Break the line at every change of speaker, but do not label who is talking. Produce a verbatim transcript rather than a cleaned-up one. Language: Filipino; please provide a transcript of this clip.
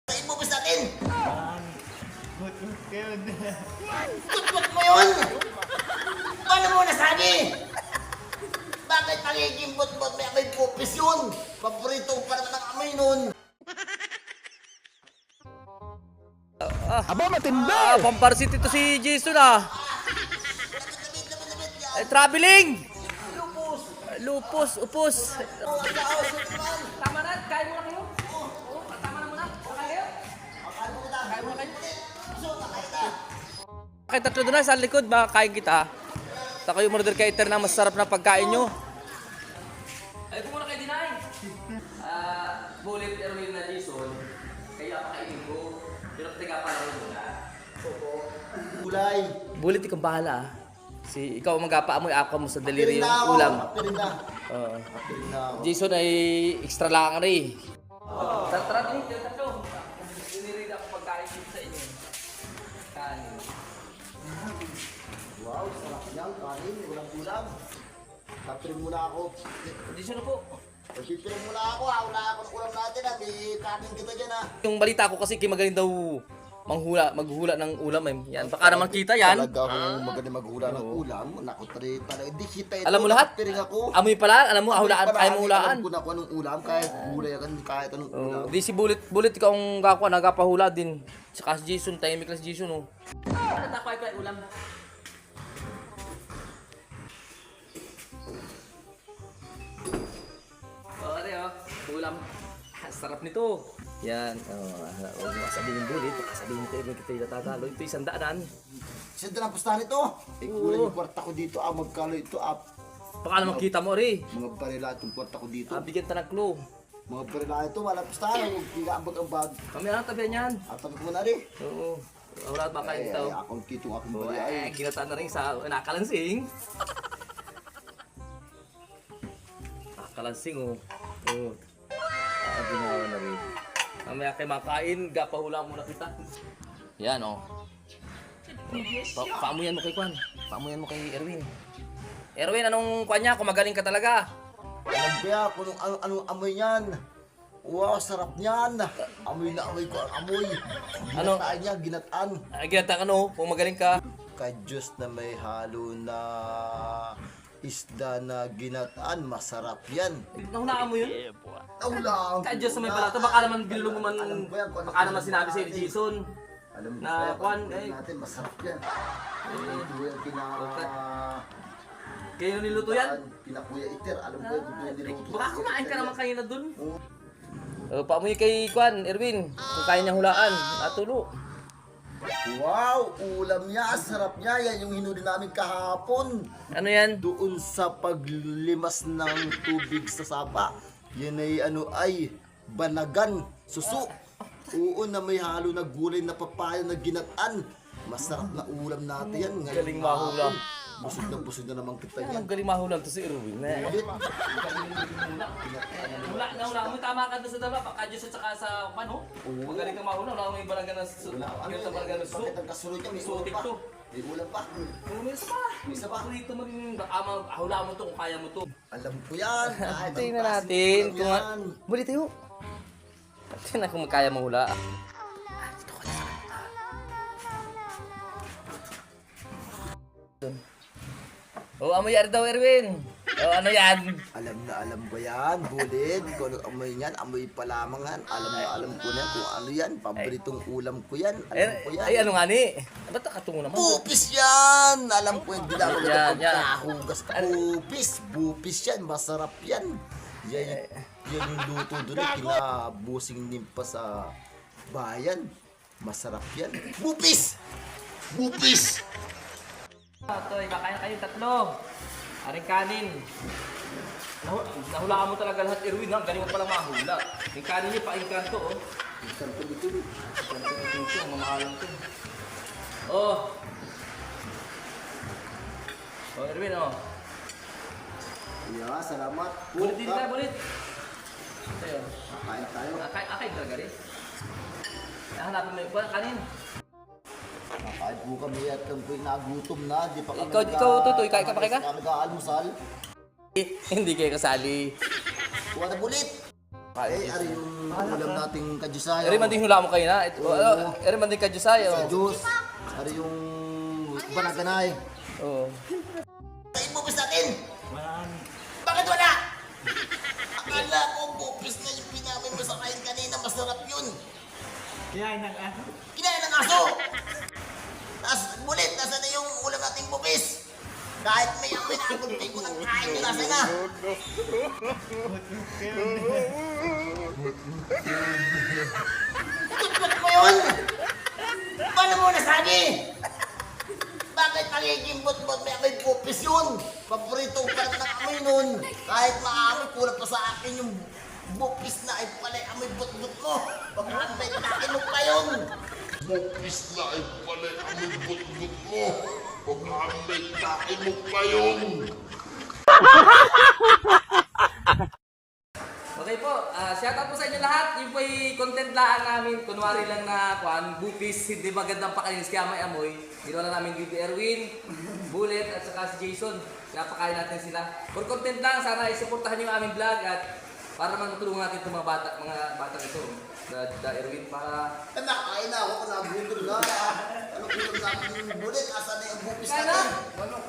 Ibubis natin!
Gut-gut ka yun.
Tutut mo yun! Paano mo nasabi? Bakit magiging bot-bot may amoy pupis yun? Paborito ko pa naman ang amoy nun.
Aba, matindi!
Ah, pamparsit ito si Jason ah.
Labit, labit, labit yan.
Eh, traveling!
Lupus!
Lupus, upos.
Oh, ang kaos yun naman!
Tama na, kain muna kayo. Oo, tama na muna. Kain kayo.
Akala mo kita.
Kain muna kayo.
Gusto, nakain kita.
Kain tatlo doon na sa likod, baka kain kita. Sa kayo murder cater na masarap na pagkain nyo. Ay, kung muna kayo dinain. Ah, Bullet, Erwin na Jason. Kayo apakainin ko. Pero tiga pa lang muna.
Gulay.
Bullet, ikaw bahala ah. Si ikaw ang mag-apaamoy, ako mo sa daliri
Pirin
yung
na ako.
ulam.
Pirin na.
Oo.
Pirin na ako.
Jason ay extra lang rin. Tara, tara din, tira tatlo. Dinirid ako pagkain dito sa inyo. Kanin.
Wow, sarap yan. Kanin, walang ulam. Kapirin muna ako.
Jason na po.
Kapirin muna ako. ha. Wala ako ng ulam natin. ha. May kanin kita dyan ha.
Yung balita ko kasi kay magaling daw manghula, maghula ng ulam eh. Yan, baka naman kita yan.
Talaga ako magaling maghula ng ulam. Naku, tari, talaga. Hindi kita ito.
Alam mo lahat?
Kapirin ako.
Amoy pala, alam mo, ahulaan,
Parang
ayaw mo hulaan.
Alam ko na kung anong ulam. Kahit gulay yan, kahit anong ulam.
Oh, di si Bullet, Bullet ikaw ang gakwa, nagapahula din. Saka si Jason, tahimik lang si Jason oh. Ano takway pa ulam? Oh, ano oh, ulam. Sarap nito. Yan, oh, huwag mo sabihin Bullet, baka sabihin ko yung kita itatalo. Ito isang daanan.
Siyempre na pustahan ito. Eh, gulay yung kwarta ko dito. Ah, magkalo ito. Ah,
Baka naman kita mo rin.
mga barila itong kwarta ko dito.
Ah, bigyan ta ng clue.
Mga barila ito. Wala pustahan. Huwag pinaambag-ambag.
Kami na tabihan yan.
At sabi ko na rin.
Oo. Wala ba kayo
Eh,
dito?
ay, akong kitong aking
Oh,
barila.
eh,
Ay,
kinataan na rin sa nakalansing. Nakalansing, oh. Oh. Ah, ginawa na rin. Mamaya kayo makain, gapahula muna kita. Yan, oh. Pa paamuyan mo kay Kwan. Paamuyan mo kay Erwin. Erwin, anong Kwan niya? Kung magaling ka talaga.
alam ko yan kung anong, anong, anong amoy niyan. Wow, sarap niyan. Amoy na amoy ko ang amoy.
Ano?
Ginataan niya, ginataan.
Ay, ginata ka, no? Kung magaling ka.
Kay Diyos na may halo na isda na ginataan, masarap yan.
Nahulaan mo yun?
Naulang.
Kaya Diyos sa may balato, baka naman binulong mo man,
Alam ko yan, kung ano
baka naman sinabi sa'yo ni Jason.
Alam mo
Na,
kaya,
Kwan,
pag
eh.
natin, masarap yan. Ito yung pina...
Kayo niluto yan?
Pinakuya iter. Alam ko yan, kung yung niluto.
Baka kumain ka naman kanina dun. Uh, paamoy kay Kwan, Erwin. Kung kaya niyang hulaan, natulo.
Wow, ulam niya, sarap niya. Yan yung hinuli namin kahapon.
Ano yan?
Doon sa paglimas ng tubig sa sapa. Yan ay ano ay banagan, suso. Oo, na may halo na gulay na papaya na ginataan. Masarap na ulam natin yan. Ngayon
Galing mahula.
hapon. Busog na busog na naman kita
Yan,
yan.
ang galing mahulang to si Erwin. Eh.
Ulit.
Hula, nahula mo, tama ka doon sa daba. Baka Diyos at saka sa pano. Magaling kang mahula. Wala mo yung barangay ng su.
Wala, ano
Yung sa
yan?
barangay ng su.
Bakit ang kasunod niya? May ulam
Sutik
pa.
to.
May ulam pa.
Oh, may isa pa. May isa pa. Dito mo rin. Baka mahula mo to kung kaya mo to.
Alam ko yan. Kahit ang
Tingnan
klaseng
natin.
ulam
Kung
yan.
Buli tayo. Tingnan kung kaya mahula. Oh, amoy yan daw, Erwin. Oh, ano yan?
Alam na alam ko yan, bulid. Kung ano amoy yan, amoy pa lamang yan. Alam na alam ko na kung ano yan. Paboritong ulam ko yan. Alam ko
Eh,
yan.
ay, ano nga ni? Ba't nakatungo naman?
Bupis yan! Alam ko yan, hindi lang ako
Yan, yan.
nagpagkahugas ka. Bupis! Bupis yan, masarap yan. Yan, yan yung luto doon, eh, kinabusing nimpa sa bayan. Masarap yan. Bupis! Bupis!
Ito, iba kaya kayo tatlo. Aring kanin. Nahu nahulaan mo talaga lahat, Erwin. Ha? Galing mo palang mahula. Yung kanin niya, pa-inkanto, oh.
Santo dito.
Inkanto ito, ito. Ang mamahalang to. Oh. Oh, Erwin, oh.
Yeah, salamat.
Bulit din ka, bulit. Ito yun.
Kain tayo.
Akay, akay talaga rin. Nahanapin mo yung kuwan, kanin.
Nakain po kami at kami po'y nagutom na. Di pa kami
Ikaw- ikaw, Tutoy, kain ka pa, kain ka?
Kami nag-aalmusal.
Hindi kayo kasali.
Kuha na bulit.
Kain
Eh, ari yung ulam nating kadyasayo.
Eri man din hula mo kayo na. Ito, ano, eri man din kadyo sayo.
Sa Diyos. Ari yung banaganay.
Oo.
Sa ibubis natin!
Marami.
Bakit wala? Akala ko bupis na yung pinamin mo sa kain kanina. Masarap yun.
Kaya nang ano?
Kinain ng aso! Tapos bulit, nasa na yung ulam nating bupis? Kahit may amoy na agunti ko ng kain nyo, nasa na? Tutut mo yun! Paano mo nasabi? Bakit magiging bot-bot may amoy bupis yun? Paborito ko pa naman ang amoy nun. Kahit maamoy, kulang pa sa akin yung bupis na ay pala amoy bot-bot mo. Pag-amoy, takin mo pa yun.
Bukis na ay pala ang but-but mo. Pag-aambay takin mo pa yun.
Okay po, ah shoutout po sa inyo lahat. Yung po yung content laan namin. Kunwari lang na kuan, bupis, hindi magandang pakalinis kaya may amoy. Ginawa lang namin dito Erwin, Bullet at saka si Jason. Kaya pakain natin sila. For content lang, sana isuportahan nyo yung aming vlog at para naman matulungan natin itong mga bata, mga bata ito. Da, da Erwin, para...
Eh, nakain na ako, nagutom na. Ano gutom natin yung bulit? Asa na yung bupis
Kaya na!
natin?
Ano?